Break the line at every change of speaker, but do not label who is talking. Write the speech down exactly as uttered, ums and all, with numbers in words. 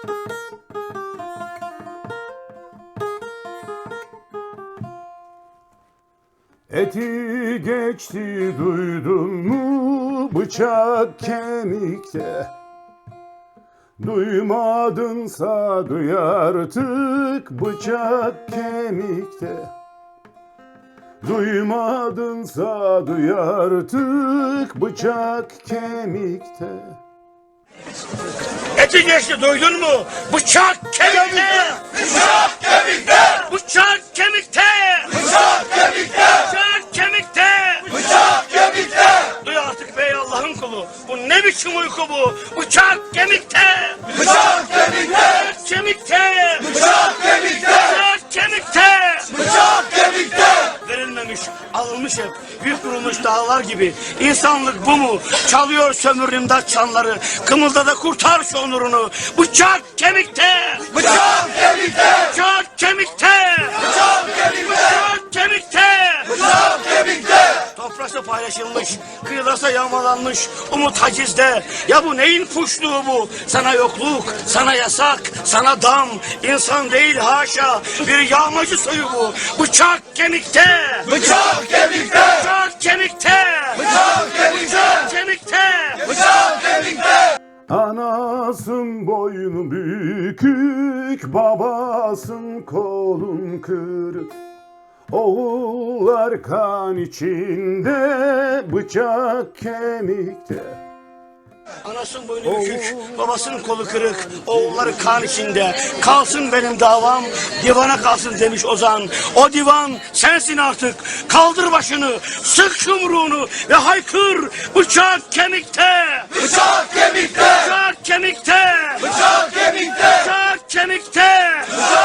Eti geçti duydun mu bıçak kemikte. Duymadınsa duy artık bıçak kemikte. Duymadınsa duy artık bıçak kemikte.
Eti geçti duydun mu? Bıçak kemikte!
Bıçak kemikte!
Bıçak kemikte!
Bıçak kemikte!
Bıçak kemikte!
Bıçak kemikte!
Duy artık bey Allah'ın kulu. Bu ne biçim uyku bu? Bıçak kemikte!
Bıçak kemikte!
Bıçak kemikte!
Bıçak kemikte!
Bıçak kemikte!
Bıçak kemikte!
Verilmemiş, alınmış hep. Yük vurulmuş dağlar gibi. İnsanlık bu mu? Çalıyor sömür imdat çanları. Kımılda da kurtar şu onurunu. Bıçak kemikte!
Bıçak kemikte!
Bıçak kemikte!
Bıçak kemikte!
Bıçak kemikte!
Bıçak kemikte!
Toprası paylaşılmış, kıyılasa yağmalanmış, umut hacizde. Ya bu neyin puşluğu bu? Sana yokluk, sana yasak, sana dam. İnsan değil haşa, bir yağmacı soyu bu. Bıçak kemikte!
Bıçak kemikte!
Bıçak kemikte!
Bıçak kemikte!
Bıçak kemikte!
Bıçak kemikte!
Anasın boynu bükük, babasın kolun kırık. Oğullar kan içinde, bıçak kemikte.
Anasının boynu bükük, babasının kolu kırık, oğulları kan içinde. Kalsın benim davam, divana kalsın demiş Ozan. O divan sensin artık. Kaldır başını, sık yumruğunu ve haykır. Bıçak kemikte!
Bıçak kemikte!
Bıçak kemikte!
Bıçak kemikte!
Bıçak kemikte!
Bıçak